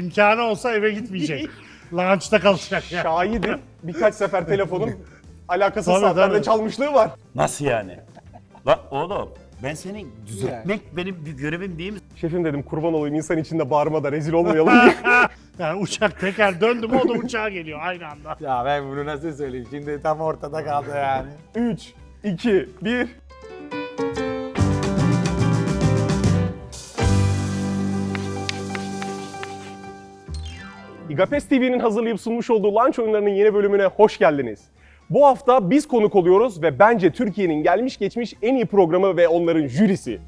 İmkanı olsa eve gitmeyecek. Lunch'ta kalacak ya. Şahidim. Birkaç sefer telefonun alakasız Tabii, saatlerde tabii. çalmışlığı var. Nasıl yani? Lan oğlum ben seni düzeltmek benim bir görevim değil mi? Şefim dedim kurban olayım insan içinde bağırma da rezil olmayalım diye. Yani uçak teker döndü mü o da uçağa geliyor aynı anda. Ya ben bunu nasıl söyleyeyim? Şimdi tam ortada kaldı yani. 3, 2, 1. İGAPES TV'nin hazırlayıp sunmuş olduğu Lunch oyunlarının yeni bölümüne hoş geldiniz. Bu hafta biz konuk oluyoruz ve bence Türkiye'nin gelmiş geçmiş en iyi programı ve onların jürisi.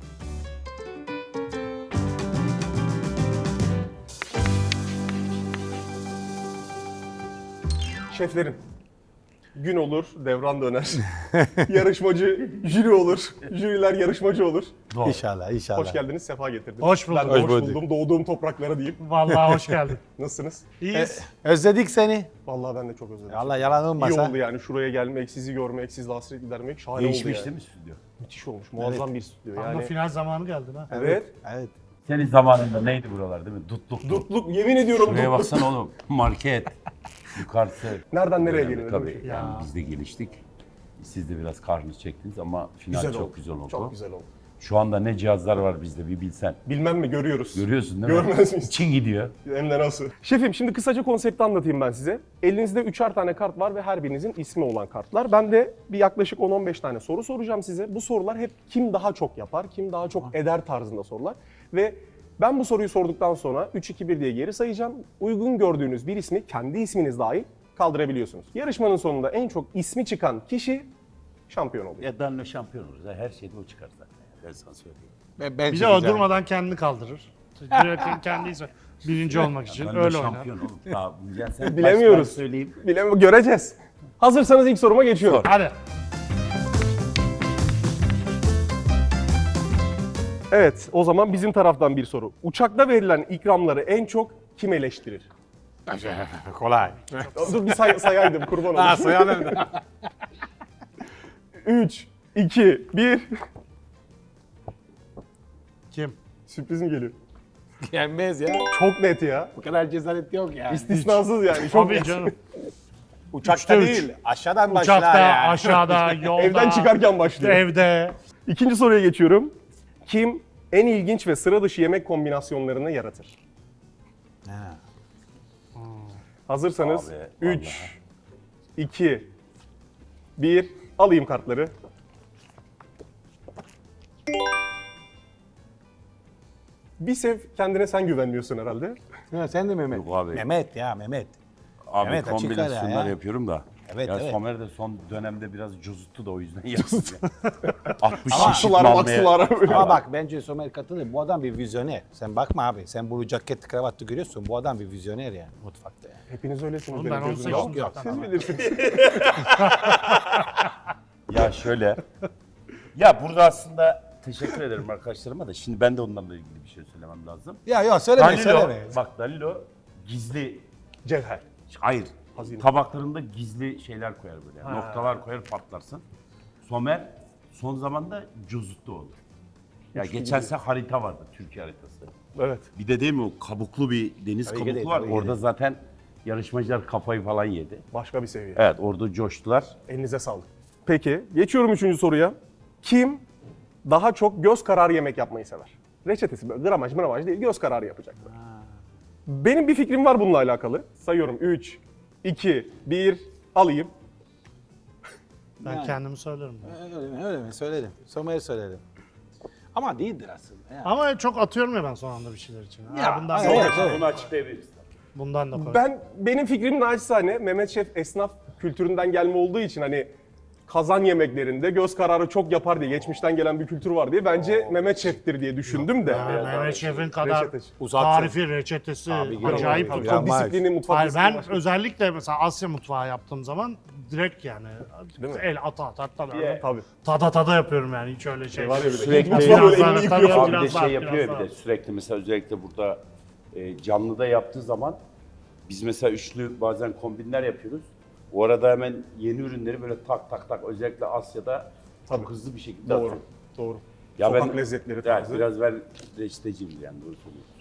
Şeflerim. Gün olur, devran döner. Yarışmacı jüri olur, jüriler yarışmacı olur. İnşallah, inşallah. Hoş geldiniz, sefa getirdiniz. Hoş bulduk. Ben de Hoş hoş bulduk. buldum, doğduğum topraklara diyeyim. Vallahi hoş geldin. Nasılsınız? İyiyiz. Özledik seni. Vallahi ben de çok özledim. Allah yalan İyi olmasa. oldu yani şuraya gelmek, sizi görmek, sizle hasret gidermek şahane Değişmiş oldu değil yani. mi stüdyo? Müthiş olmuş, muazzam bir stüdyo Ama yani. final zamanı geldi ha. Evet. Evet. Senin zamanında neydi buralar değil mi? Dutluktu. Dutluk, yemin ediyorum Buraya dutluk. baksana oğlum. Market. Yukarısı. Nereden nereye Önemli gelinir? tabii. değil mi? Yani biz de geliştik. Siz de biraz kahrınız çektiniz ama final Güzel çok oldu. güzel oldu. Çok güzel oldu. Şu anda ne cihazlar var bizde bir bilsen. Bilmem mi görüyoruz. Görüyorsun değil mi? Görmez miyiz? İçin gidiyor. Hem de nasıl? Şefim şimdi kısaca konsepti anlatayım ben size. Elinizde 3'er tane kart var ve her birinizin ismi olan kartlar. Ben de bir yaklaşık 10-15 tane soru soracağım size. Bu sorular hep kim daha çok yapar, kim daha çok eder tarzında sorular. Ve ben bu soruyu sorduktan sonra 3-2-1 diye geri sayacağım. Uygun gördüğünüz bir ismi kendi isminiz dahil kaldırabiliyorsunuz. Yarışmanın sonunda en çok ismi çıkan kişi şampiyon oluyor. Ya Danilo şampiyon olur. Her şeyde o çıkar zaten. Ben sana söyleyeyim. Ben Bir de o çekeceğim. durmadan kendini kaldırır. Direkt kendi ismi. Birinci olmak için Danilo öyle oynar. şampiyon oğlum. Daha, ya sen Bilemiyoruz. baştan söyleyeyim. Göreceğiz. Hazırsanız ilk soruma geçiyorum. Hadi. Evet, o zaman bizim taraftan bir soru. Uçakta verilen ikramları en çok kim eleştirir? Kolay. Dur bir sayaydım kurban Ha olayım. sayalım. 3, 2, 1. Kim? Sürprizim geliyor. Yenmez ya. Çok net ya. Bu kadar cesaret yok yani. İstisnasız yani. Çok Tabii net. canım. Uçakta Üçte üç. değil. Aşağıdan başlar Uçakta, yani. aşağıda, yolda. Evden çıkarken başlıyor. Evde. İkinci soruya geçiyorum. Kim en ilginç ve sıra dışı yemek kombinasyonlarını yaratır? Ha. Hazırsanız Abi, 3, 2, 1. Alayım kartları. Bir sev kendine sen güvenmiyorsun herhalde. Ha, sen de Mehmet. Yok abi. Mehmet ya Mehmet. Abi Evet, açık ara kombinasyonlar ya. yapıyorum da. Evet, ya evet. Somer de son dönemde biraz cozuttu da o yüzden yaptım. 60 Aksular maksular. Ama bak bence Somer katılır. Bu adam bir vizyoner. Sen bakma abi. Sen bu ceket kravatlı görüyorsun. Bu adam bir vizyoner yani mutfakta yani. Hepiniz öylesiniz. Oğlum benim ben onu gözümde. seçtim Yok, zaten. Siz bilirsiniz. Ya şöyle. Ya burada aslında teşekkür ederim arkadaşlarıma da şimdi ben de onlarla ilgili bir şey söylemem lazım. Ya yok söyleme Danilo, söyleme. bak Danilo gizli, Cevher. hayır Hazine. tabaklarında gizli şeyler koyar böyle. Noktalar koyar patlarsın. Somer son zamanda cozuttu oldu. Ya geçen sene harita vardı, Türkiye haritası. Evet. Bir de değil mi o kabuklu bir deniz Tabii ki kabuklu de, var. tabii ki Orada de. zaten yarışmacılar kafayı falan yedi. Başka bir seviye. Evet orada coştular. Elinize sağlık. Peki, geçiyorum 3. soruya. Kim daha çok göz kararı yemek yapmayı sever? Reçetesi böyle gramaj değil, göz kararı yapacaklar. Benim bir fikrim var bununla alakalı. Sayıyorum 3, 2, 1, alayım. Ben Yani. kendimi söylerim. Öyle mi? Söyledim. Somer söyledim. Ama değildir aslında. Ya. Ama çok atıyorum ya ben son anda bir şeyler için. Ya, bundan, evet, da, evet. Bunu açıklayabiliriz. bundan da koy. Benim fikrim naçizane Mehmet Şef esnaf kültüründen gelme olduğu için hani kazan yemeklerinde göz kararı çok yapar diye geçmişten gelen bir kültür var diye bence Mehmet Şef'tir diye düşündüm de. Yani Mehmet Şef'in kadar Reçetesi. Uzaksın. tarifi, reçetesi acayip. tabii. Çok Ya, disiplini, mutfak Hayır disiplini ben başka. özellikle mesela Asya mutfağı yaptığım zaman direkt yani Değil mi? el ata böyle Tabii. tada yapıyorum yani hiç öyle şey. Var ya bir de. Sürekli Mutfağı biraz böyle daha elini tabii, yıkıyor. Abi bir de biraz daha, şey yapıyor biraz bir de sürekli mesela özellikle burada canlıda yaptığı zaman biz mesela üçlü bazen kombinler yapıyoruz. O arada hemen yeni ürünleri böyle tak özellikle Asya'da çok hızlı bir şekilde Doğru, atıyor. doğru. Ya Sokak lezzetleri evet, tarzı. biraz ben reçeteciyim yani doğru söylüyorsun.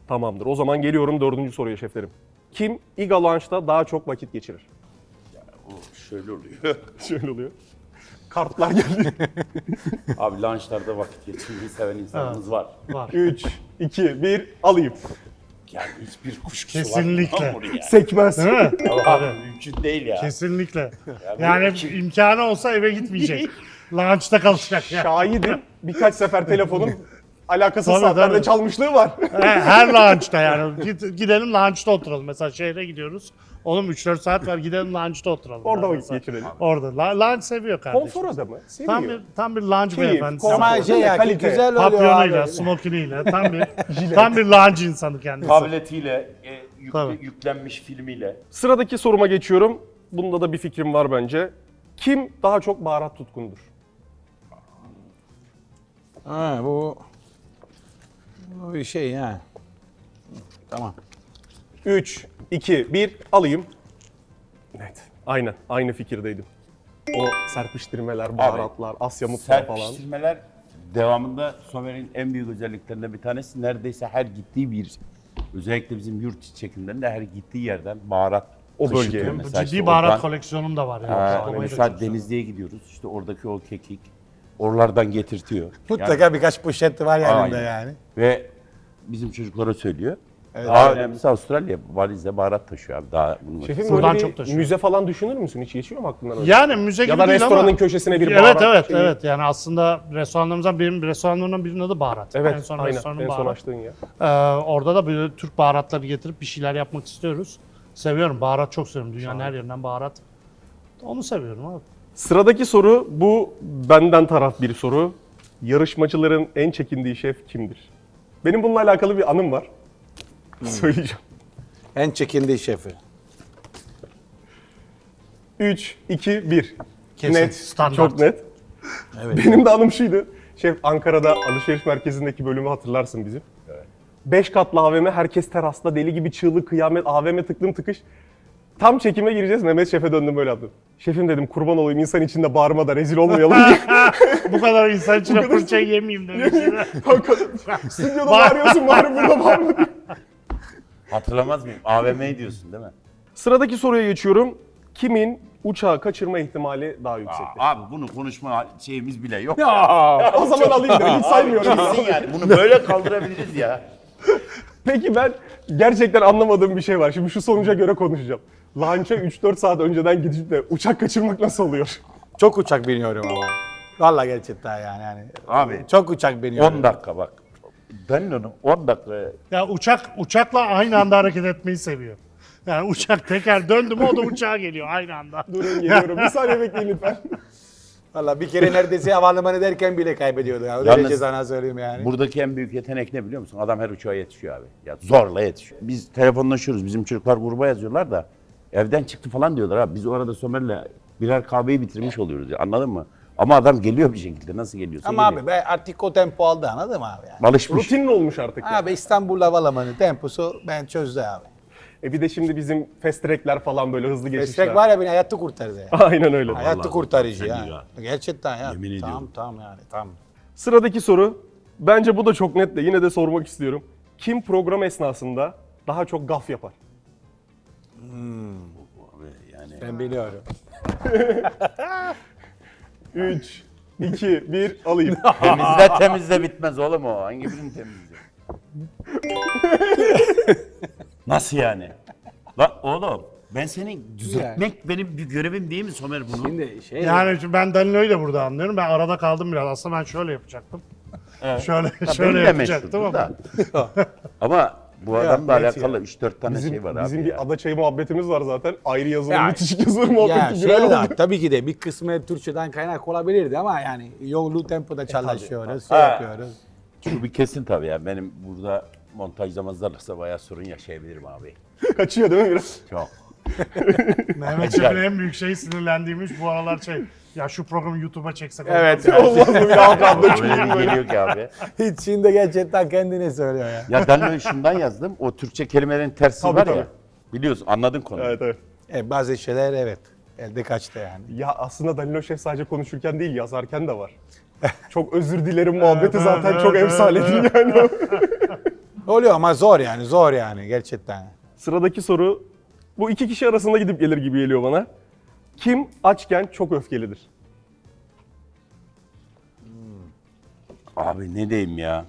Tamamdır. O zaman geliyorum 4. soruya şeflerim. Kim Iga Lounge'da daha çok vakit geçirir? O şöyle oluyor. Şöyle oluyor. Kartlar geldi. Abi lunchlarda vakit geçirmeyi seven insanımız var. Var. 3, 2, 1 alayım. Yani hiçbir kuşkusu Kesinlikle. var mı oraya? Sekmez. Değil mi? Abi mümkün değil ya. Kesinlikle. bu Yani kim? imkanı olsa eve gitmeyecek. Lunch'ta kalacak ya. Şahidim. Birkaç sefer telefonun alakasız Tabii, saatlerde tabii. çalmışlığı var. Her lunch'ta yani. Gidelim lunch'ta oturalım. Mesela şehre gidiyoruz. Oğlum 3-4 saat var gidelim lunch'ta oturalım. Orada Yani vakit mesela. geçirelim. Orada. Lunch seviyor kardeşim. Konfor adamı. Seviyor. Tam bir lunch Keyif, beyefendisi. konfor. Ama şey ya Kalite. güzel oluyor Papyonuyla, abi. smokiniyle tam bir lunch insanı kendisi. Tabletiyle, Tabii. yüklenmiş filmiyle. Sıradaki soruma geçiyorum. Bunda da bir fikrim var bence. Kim daha çok baharat tutkundur? Ha, bu bir şey ya. Tamam. 3, 2, 1 alayım. Net. Aynen. Aynı fikirdeydim. O serpiştirmeler, baharatlar, Asya mutfağı falan. Serpiştirmeler devamında Somer'in en büyük özelliklerinden bir tanesi. Neredeyse her gittiği bir, özellikle bizim yurt çekimlerinde her gittiği yerden baharat O taşıtıyor. bölgeye. Bu Mesela ciddi işte baharat oradan- koleksiyonum da var yani. Ha, Toplamayı da mesela çok seviyorum. Denizli'ye gidiyoruz. İşte oradaki o kekik oralardan getirtiyor. Mutlaka birkaç poşet var yanında Aynen. yani. Ve bizim çocuklara söylüyor. Evet. Daha önemlisi Avustralya valizle baharat taşıyor abi. Daha bunu Şefim Buradan böyle çok bir taşıyor. müze falan düşünür müsün? Hiç geçiyor mu aklından öyle? Yani müze gibi Ya da değil restoranın ama. köşesine bir Evet baharat şeyi. evet. Yani aslında restoranlarımdan birinin adı baharat. Evet, En son aynen. restoranın En son baharat. açtığın yer. Orada da böyle Türk baharatları getirip bir şeyler yapmak istiyoruz. Seviyorum. Baharat çok seviyorum. Dünyanın her yerinden baharat. Onu seviyorum abi. Sıradaki soru, bu benden taraf bir soru. Yarışmacıların en çekindiği şef kimdir? Benim bununla alakalı bir anım var. Söyleyeceğim. En çekindiği şefi. 3, 2, 1. Kesin, Net, standart. çok net. Evet. Benim de anım şuydu. Şef, Ankara'da alışveriş merkezindeki bölümü hatırlarsın bizim. 5 katlı AVM, herkes terasta, deli gibi çığlık, kıyamet, AVM tıklım tıkış. Tam çekime gireceğiz, Mehmet Şef'e döndüm böyle yaptım. Şefim dedim, kurban olayım insan içinde bağırma da rezil olmayalım diye. Bu kadar insan içine fırça yemeyeyim demiştim. Hakikaten. Stüdyoda bağırıyorsun, bari burada bağırma diye. hatırlamaz mıyım? AVM diyorsun değil mi? Sıradaki soruya geçiyorum. Kimin uçağı kaçırma ihtimali daha yüksektir? Abi bunu konuşma şeyimiz bile yok. O zaman alayım dedim, hiç saymıyorum. Kesin yani. Bunu böyle kaldırabiliriz ya. Peki ben gerçekten anlamadığım bir şey var. Şimdi şu sonuca göre konuşacağım. Launch'a 3-4 saat önceden gidip de uçak kaçırmak nasıl oluyor? Çok uçak biniyorum ama. Vallahi gerçekten yani. Abi Çok uçak biniyorum. 10 dakika bak. Danilo'nun 10 dakika. Ya uçakla aynı anda hareket etmeyi seviyor. Yani uçak teker döndü mü o da uçağa geliyor aynı anda. Durun geliyorum. Bir saniye bekleyin lütfen. Vallahi bir kere neredeyse havalimanı derken bile kaybediyordu. Ya. O Yalnız derece sana söyleyeyim yani. Buradaki en büyük yetenek ne biliyor musun? Adam her uçağa yetişiyor abi. Ya zorla yetişiyor. Biz telefonlaşıyoruz. Bizim çocuklar gruba yazıyorlar da evden çıktı falan diyorlar abi. Biz o arada Somer'le birer kahveyi bitirmiş oluyoruz ya. Anladın mı? Ama adam geliyor bir şekilde. Nasıl geliyorsa Ama geliyor. abi ben artık o tempo aldı anladın mı abi yani? Alışmış. Rutinin olmuş artık. Yani. Abi İstanbul Havalimanı temposu ben çözdü abi. Bir de şimdi bizim fast track'ler falan böyle hızlı geçişler. Meslek var ya beni hayatı kurtardı ya. Aynen öyle. Hayatı kurtarıcı sen ya. iyi ya. Gerçekten ya. Yemin ediyorum. Tamam yani tamam. Sıradaki soru. Bence bu da çok net de yine de sormak istiyorum. Kim program esnasında daha çok gaf yapar? Abi yani Ben biliyorum. 3, 2, 1 alayım. temizle bitmez oğlum o. Hangi birini temizle? Nasıl yani? Lan oğlum ben seni düzeltmek benim bir görevim değil mi Somer bunu? Şimdi şey Yani şimdi ben Danilo'yu da burada anlıyorum. Ben arada kaldım biraz. Aslında ben şöyle yapacaktım. Şöyle Benim de yapacaktım meşhurdur ama. da. Ama bu adamla neyse alakalı 3-4 tane şey var abi Bizim ya. bir ada çayı muhabbetimiz var zaten. Ayrı yazılı, Ya, bitişik yazılı ya muhabbeti şey viral de, oldu. tabii ki de bir kısmı Türkçeden kaynak olabilirdi ama yani yolu tempoda çalışıyoruz, Ha. yapıyoruz. Şu bir kesin tabii ya. Benim burada montajlamazlarsa bayağı sorun yaşayabilirim abi. Kaçıyor değil mi biraz? Çok. Mehmet Şef'in en büyük şeyi sinirlendiğimiz bu aralar şey. Ya şu programı YouTube'a çeksek. Evet. Olmaz mı? Bir alt altta Öyle çünkü bir böyle. geliyor ki abi. Hiç şimdi gerçekten kendine söylüyor ya. Ya ben şundan yazdım. O Türkçe kelimelerin tersi Tabii, var tabii. ya. Biliyorsun anladın konuyu. Evet evet. Bazı şeyler evet. Elde kaçtı yani. Ya aslında Danilo Şef sadece konuşurken değil yazarken de var. Çok özür dilerim muhabbeti zaten çok evet, efsanedir yani. Oluyor ama zor yani, zor yani gerçekten. Sıradaki soru bu iki kişi arasında gidip gelir gibi geliyor bana. Kim açken çok öfkelidir? Abi ne diyeyim ya?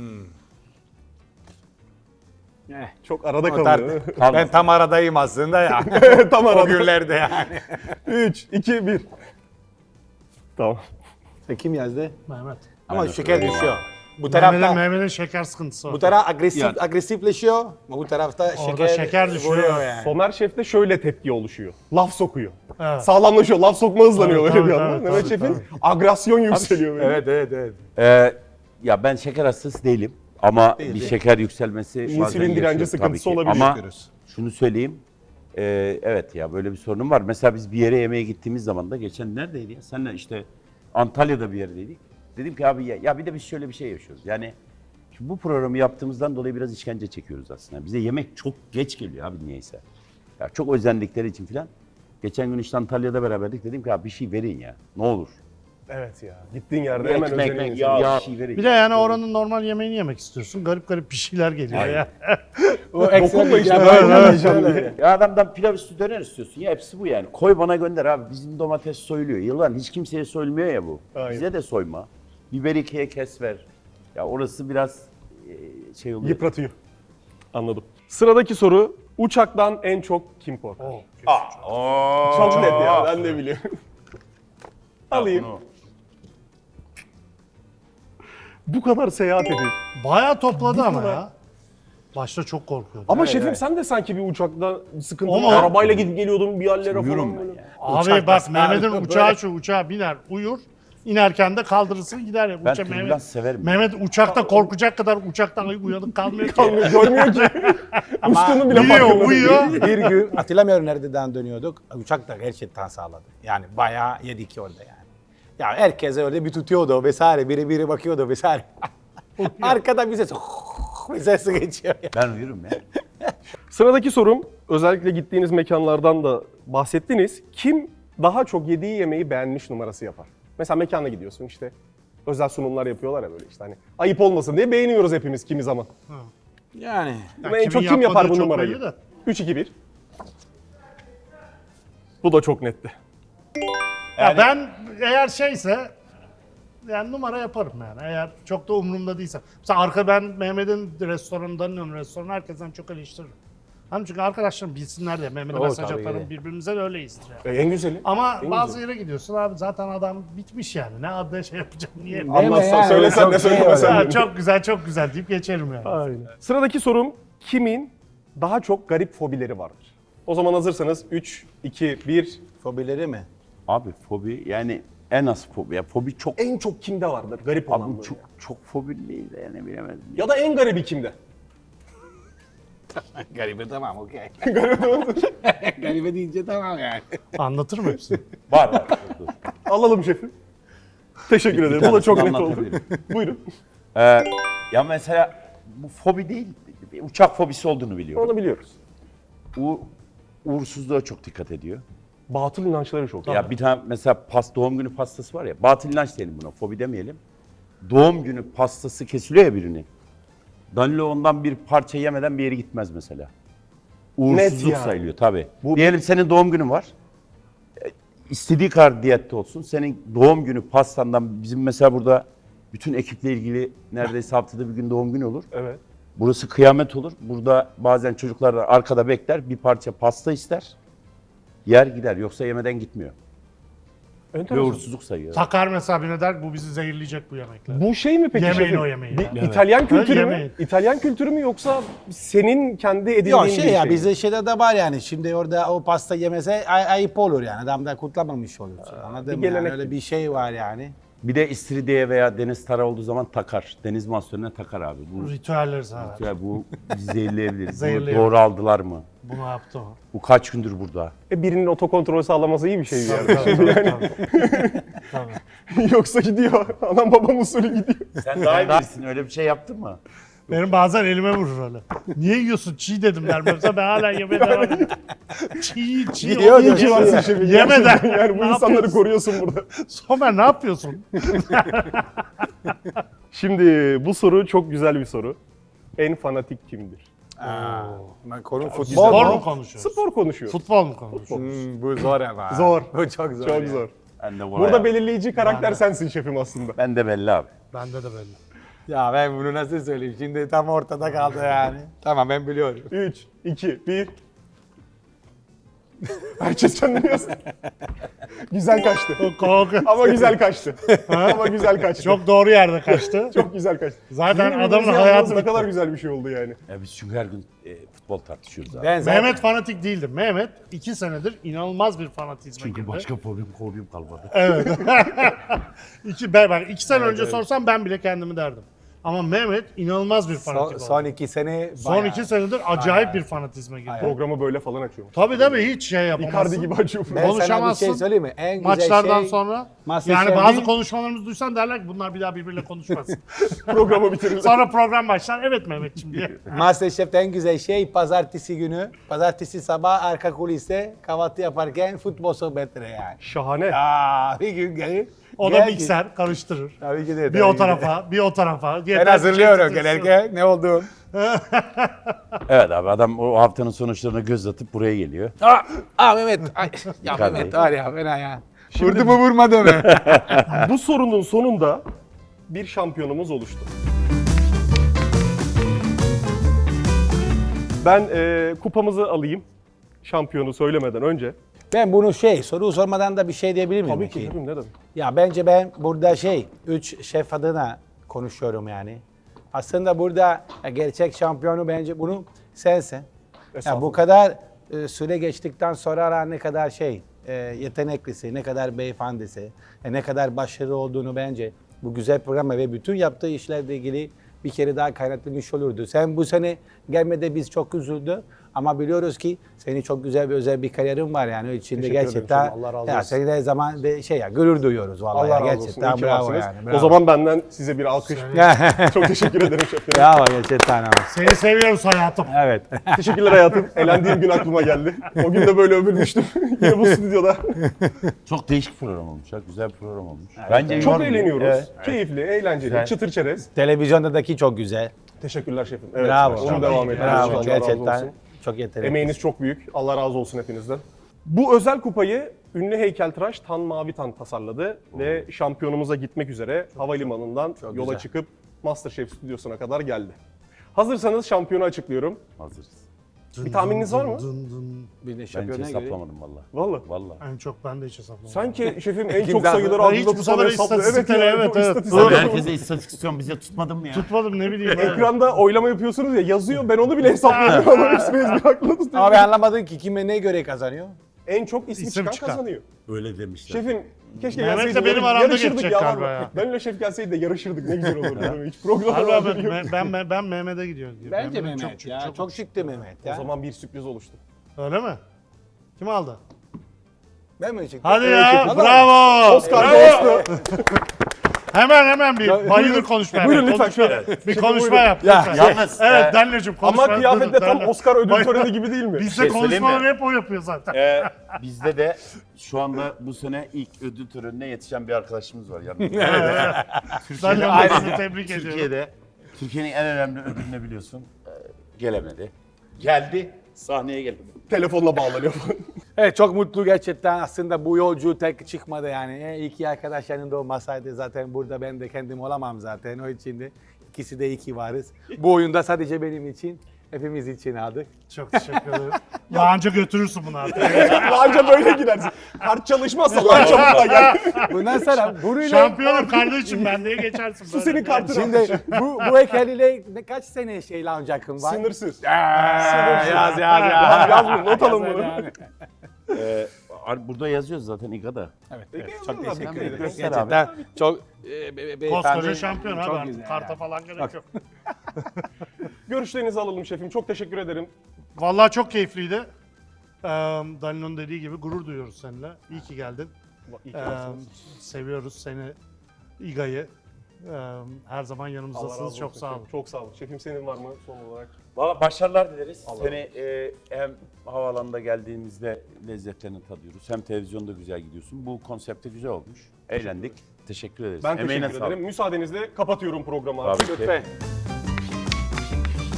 Çok arada O kalıyor. değil mi? Ben tam aradayım aslında ya. Tam O arada. günlerde yani. 3, 2, 1. Tamam. Kim yazdı? Mehmet. Ama Ben de şeker söyleyeyim düşüyor. Bu tarafta Mehmet'in şeker sıkıntısı var. bu taraf agresifleşiyor. Ama bu tarafta Orada şeker düşüyor. vuruyor yani. Somer Şef'te şöyle tepki oluşuyor. Laf sokuyor. Evet. Sağlamlaşıyor. Laf sokma hızlanıyor Tabii, öyle bir tabii, anda. tabii, Mehmet tabii, Şef'in agresyon yükseliyor. böyle. Evet. Ya ben şeker hastası değilim. Ama bir şeker yükselmesi bazen İnsülin direnci yaşıyorum sıkıntısı tabii ki. olabilir. Ama şunu söyleyeyim. Evet ya böyle bir sorunum var. Mesela biz bir yere yemeğe gittiğimiz zaman da geçen neredeydi ya? Seninle işte Antalya'da bir yerdeydik. Dedim ki abi ya bir de biz şöyle bir şey yaşıyoruz. Yani şimdi bu programı yaptığımızdan dolayı biraz işkence çekiyoruz aslında. Bize yemek çok geç geliyor abi niyeyse. Ya çok özendikleri için filan. Geçen gün işte Antalya'da beraberdik. Dedim ki abi bir şey verin ya. Ne olur. Evet ya. Gittiğin yerde hemen Ekmek, özeniyorsun. yağ, bir şey verin. Bir de yani oranın normal yemeğini yemek istiyorsun. Garip garip bir şeyler geliyor ya. O ekstra Dokunma işte, bir- ben Evet, yemeyeceğim evet. diye. Ya adamdan pilav üstü döner istiyorsun ya hepsi bu yani. Koy bana gönder abi bizim domates soyuluyor. Yılan hiç kimseye soyulmuyor ya bu. Aynen. Bize de soyma. Biber ikiye kes ver. Ya orası biraz şey oluyor. Yıpratıyor. Anladım. Sıradaki soru. Uçaktan en çok kim korkar? Çok net ya, ben de biliyorum. Alayım. Bu kadar seyahat edip. Bayağı topladı ama kadar. ya. Başta çok korkuyordum. Ama şefim sen de sanki bir uçakta sıkıntı Ama- var. Arabayla gidip geliyordun bir yerlere Uyurum falan. ben böyle. ya. Abi Uçak bak nasıl Mehmet'in abi? uçağı şu uçağa biner uyur. İnerken de kaldırırsın gider ya. Ben Uçak- türbülans severim. Mehmet uçakta korkacak kadar uçaktan uyanık kalmıyor ki. Kalmıyor, görmüyor ki. Uçtuğunu bile farkında Uyuyor, değil. uyuyor. Bir gün hatırlamıyorum nereden dönüyorduk. Uçak da gerçekten sağladı. Yani bayağı yedik orada yani. Ya herkes öyle bir tutuyordu vesaire. Biri bakıyordu vesaire. Arkada bir ses. Bir ses geçiyor. Ben uyurum ya. Sıradaki sorum, özellikle gittiğiniz mekanlardan da bahsettiniz. Kim daha çok yediği yemeği beğenmiş numarası yapar? Mesela mekana gidiyorsun işte. Özel sunumlar yapıyorlar ya böyle işte hani. Ayıp olmasın diye beğeniyoruz hepimiz kimi zaman. Yani. Ama en kimin çok kim yapar yapmadığı bu çok numarayı? belli de. 3-2-1. Bu da çok netti. Ya ben eğer şeyse yani numara yaparım yani. Eğer çok da umurumda değilse. Mesela ben Mehmet'in restoranından restoranı herkesten çok eleştiririm. Hani çünkü arkadaşlarım bilsinler diye Mehmet'e O mesaj tabii. atarım birbirimize de öyleyiz yani. En güzeli. Ama En bazı güzeli. yere gidiyorsun abi zaten adam bitmiş yani. Ne adına şey yapacağım niye? Anlatsan, söylesen de söylemesen Ha, de. çok güzel deyip geçerim yani. Aynen. Sıradaki sorum, kimin daha çok garip fobileri vardır? O zaman hazırsanız 3, 2, 1. Fobileri mi? Abi fobi yani en az fobi. Ya fobi çok En çok kimde vardır garip olan abi böyle? çok fobi değil de yani bilemedim. Ya da en garibi kimde? Garibe tamam okey. Garibe deyince tamam yani. Anlatır mı hepsini? Var. Dur. Alalım şefim. Teşekkür ederim. Bu da tanesini çok net oldu. anlatabilirim. Buyurun. Ya mesela bu fobi değil, bir uçak fobisi olduğunu biliyorum. Onu biliyoruz. Uğursuzluğa çok dikkat ediyor. Batıl inançları çok. Ya bir tane mesela doğum günü pastası var ya, batıl inanç diyelim buna, fobi demeyelim. Doğum günü pastası kesiliyor ya birini. Danilo ondan bir parça yemeden bir yere gitmez mesela. Uğursuzluk yani. sayılıyor tabii. Diyelim senin doğum günün var. İstediği kadar diyette olsun. Senin doğum günü pastandan, bizim mesela burada bütün ekiple ilgili neredeyse haftada bir gün doğum günü olur. Evet. Burası kıyamet olur. Burada bazen çocuklar da arkada bekler, bir parça pasta ister. Yer gider, yoksa yemeden gitmiyor. Ve Enteresan. uğursuzluk sayıyor. Takar mesela birine der bu bizi zehirleyecek bu yemekler. Bu şey mi peki Yemeyin şefim? o yemeği Bir yani. İtalyan kültürü mü? yemeyin. İtalyan kültürü mü yoksa senin kendi edindiğin Yok bir şey ya mi? bizde şeyde de var yani. Şimdi orada o pasta yemese ayıp olur yani. Adam da kutlamamış olur. Anladın mı? gelenek Yani öyle bir şey var yani. Bir de istiridye veya deniz tara olduğu zaman takar. Deniz mahsulüne takar abi. Bu, Ritüeller zaten. ya bu bizi zehirleyebilir. Bunu Zehirleyebilir. doğru aldılar mı? Bunu yaptı o. Bu kaç gündür burada? Birinin otokontrol sağlaması iyi bir şey yani. Tabii. Yoksa gidiyor. Anam babam usulü gidiyor. Sen daha iyi bilirsin. Öyle bir şey yaptın mı? Benim bazen elime vurur öyle. Niye yiyorsun? Çiğ dedim der. Mesela ben hala yemeye devam ediyorum. Çiğ. Yiyor onu diyor, İyi ki varsın şefim. Yemeden. Yani bu Ne insanları yapıyorsun? koruyorsun burada. Somer ne yapıyorsun? Şimdi bu soru çok güzel bir soru. en fanatik kimdir? Konu futbol Spor mu? mu konuşuyoruz? Spor konuşuyoruz. Futbol mu konuşuyoruz? Bu zor ama. Zor. Bu çok zor. Çok ya. zor. Ben de buna Burada yap- belirleyici karakter sensin şefim aslında. Ben de belli abi. Bende de belli. Ya ben bunu nasıl söyleyeyim? Şimdi tam ortada kaldı yani. Tamam ben biliyorum. 3, 2, 1. Herkes kendini yazsın. Güzel kaçtı. Ama güzel kaçtı. Ama güzel kaçtı. Çok doğru yerde kaçtı. Çok güzel kaçtı. Zaten Sizin adamın birbirinizi hayatı yazmanız ne bitti. kadar güzel bir şey oldu yani. Ya biz çünkü her gün futbol tartışıyoruz abi. Ben zaten Mehmet fanatik değildi. Mehmet 2 senedir inanılmaz bir fanatizme Çünkü girdi. başka fobim kalmadı. Evet. ben 2 sene önce sorsam ben bile kendimi derdim. Ama Mehmet inanılmaz bir fanatik oldu. son 2 sene Son 2 senedir acayip bir fanatizme girdi. Programı böyle falan açıyorum. Tabii hiç şey yapamazsın. Icardi gibi açıyorum. Ben sana bir konuşamazsın. şey söyleyeyim mi? En güzel Maçlardan şey, sonra Masterchef'in- yani bazı konuşmalarımızı duysan derler ki bunlar bir daha birbiriyle konuşmasın. Programı bitirirler. Sonra program başlar. Evet Mehmetciğim diye. Masterchef'te en güzel şey pazartesi sabah arka kuliste kahvaltı yaparken futbol sohbetleri yani. Şahane. Bir gün gelir. O da gel ki- mikser karıştırır. Tabii ki de. Bir o tarafa, bir o tarafa. Ben hazırlıyorum gelerken ne oldu? Evet abi adam o haftanın sonuçlarına göz atıp buraya geliyor. Mehmet. Ay, ya Icardi. Mehmet var ya fena ya. Vurdu mu vurmadı mı? Bu sorunun sonunda bir şampiyonumuz oluştu. Ben kupamızı alayım. Şampiyonu söylemeden önce. Ben bunu soru sormadan da bir şey diyebilir miyim? Tabii ki peki? ne dedim? Ya bence ben burada 3 şef adına konuşuyorum yani. Aslında burada gerçek şampiyonu bence bunu sensin. Ya bu Estağfurullah. kadar süre geçtikten sonra ne kadar yeteneklisi, ne kadar beyefendisi, ne kadar başarılı olduğunu bence bu güzel programa ve bütün yaptığı işlerle ilgili bir kere daha kaynatılmış olurdu. Sen bu sene gelmede biz çok üzüldü ama biliyoruz ki senin çok güzel bir özel bir kariyerin var yani o içinde Teşekkür ederim gerçekten canım, Allah razı ya olsun. seni de zaman gurur duyuyoruz vallahi Allah ya, razı olsun. gerçekten İyi ki bravo varsınız. yani. Bravo. O zaman benden size bir alkış. Çok teşekkür ederim şefim. bravo gerçekten ama. Seni seviyoruz hayatım. Evet. Teşekkürler hayatım. Elendiğim gün aklıma geldi. O gün de böyle övülmüştüm. Yine bu stüdyoda. Çok değişik program olmuş ya. Güzel bir program olmuş. Bence Çok yormuyor. eğleniyoruz. Evet. Keyifli, eğlenceli, Güzel. çıtır çerez. Televizyondaki çok güzel. Teşekkürler şefim. Evet, Bravo. Onu devam edin. Bravo Allah razı gerçekten. olsun. Çok yetenekli. Emeğiniz çok büyük. Allah razı olsun hepinizden. Bu özel kupayı ünlü heykeltıraş Tan Mavitan tasarladı ve şampiyonumuza gitmek üzere havalimanından yola güzel. çıkıp MasterChef stüdyosuna kadar geldi. Hazırsanız şampiyonu açıklıyorum. Hazırız. Bir tahmininiz var mı? Bir de Ben hiç şampiyona göre. hesaplamadım valla. Vallahi. Valla. En çok ben de hiç hesaplamadım. Sanki şefim en Kim çok zaten? sayıları Ben hiç aklında bu tutan sefer hesaplıyor. istatistikleri, evet, bu evet. istatistikleri- Doğru. Herkese istatistikasyon bize tutmadın mı ya? Tutmadım ne bileyim. Ekranda oylama yapıyorsunuz ya yazıyor ben onu bile hesaplıyorum ama hepsini ezber aklında Ama tutuyorum. ben anlamadım ki kime ne göre kazanıyor? En çok ismi İsim çıkan çıkan. kazanıyor. Öyle demişler. Şefim keşke Mehmet'le gelseydi, benim aramda yarışırdık geçecek ya. galiba vallahi. ya. Benle şef gelseydi de yarışırdık ne güzel olurdu. Hiç programda Harbi haberi abi, yok. ben Mehmet'e gidiyorum. Bence Mehmet Mehmet çok çıktı Mehmet O ya. zaman bir sürpriz oluştu. Öyle mi? Kim aldı? Ben mi çıktım? Hadi Evet, ya, şefim. bravo. Oscar Bravo. dostu. Hemen bir bayılır buyurun. konuşmaya. Buyurun lütfen Konuşma. şöyle. Bir Şefim, konuşma buyurun. yap. Ya, lütfen. yalnız, Evet Danlı'cığım konuşma. Ama kıyafette tam Danlı. Oscar ödül töreni gibi değil mi? Bizde söyleyeyim mi? konuşmaları hep o yapıyor zaten. Bizde de şu anda bu sene ilk ödül törenine yetişen bir arkadaşımız var yanımda. Danlı'yı sizi tebrik ediyorum. Türkiye'de Türkiye'nin en önemli ödülünü biliyorsun. Gelemedi. Geldi, sahneye geldi. Telefonla bağlanıyor. Evet çok mutlu gerçekten aslında bu yolcu tek çıkmadı yani. İki arkadaş yanında olmasaydı zaten burada ben de kendim olamam zaten o için de. İkisi de iki varız. Bu oyunda sadece benim için, hepimiz için aldık. Çok teşekkür ederim. Ya anca götürürsün bunu artık. Anca böyle gidersin. Kart çalışmazsa lan çabukla gel. Bundan sonra buruyla... Şampiyonum kardeşim ben diye geçersin. Su böyle. senin kartın. Şimdi bu heykeliyle kaç sene launch hakkım var? Sınırsız. Yaz. Yaz bunu, not alın bunu. Burada yazıyoruz zaten İGA'da. Evet, çok teşekkür ederim. Göster Gerçekten çok Koskoca şampiyon çok abi artık. güzel Karta yani. falan gerek yok. Görüşlerinizi alalım şefim. Çok teşekkür ederim. Vallahi çok keyifliydi. Danilon dediği gibi gurur duyuyoruz seninle. İyi ki geldin. İyi ki varsınız. Seviyoruz seni, İGA'yı. Her zaman Allah razı yanımızdasınız. olsun Çok sağ olun. şefim. Çok sağ olun. Şefim senin var mı son olarak? Valla başarılar dileriz. Allah Seni hem havaalanında geldiğimizde lezzetlerini tadıyoruz. Hem televizyonda güzel gidiyorsun. Bu konsepte güzel olmuş. Eğlendik. Teşekkür ederiz. Ben Emeğine teşekkür ederim. sağlık. Müsaadenizle kapatıyorum programı abi. Tabii ki. Lütfen.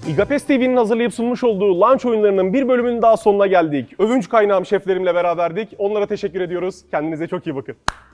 İGAPES TV'nin hazırlayıp sunmuş olduğu Lunch oyunlarının bir bölümünün daha sonuna geldik. Övünç kaynağım şeflerimle beraberdik. Onlara teşekkür ediyoruz. Kendinize çok iyi bakın.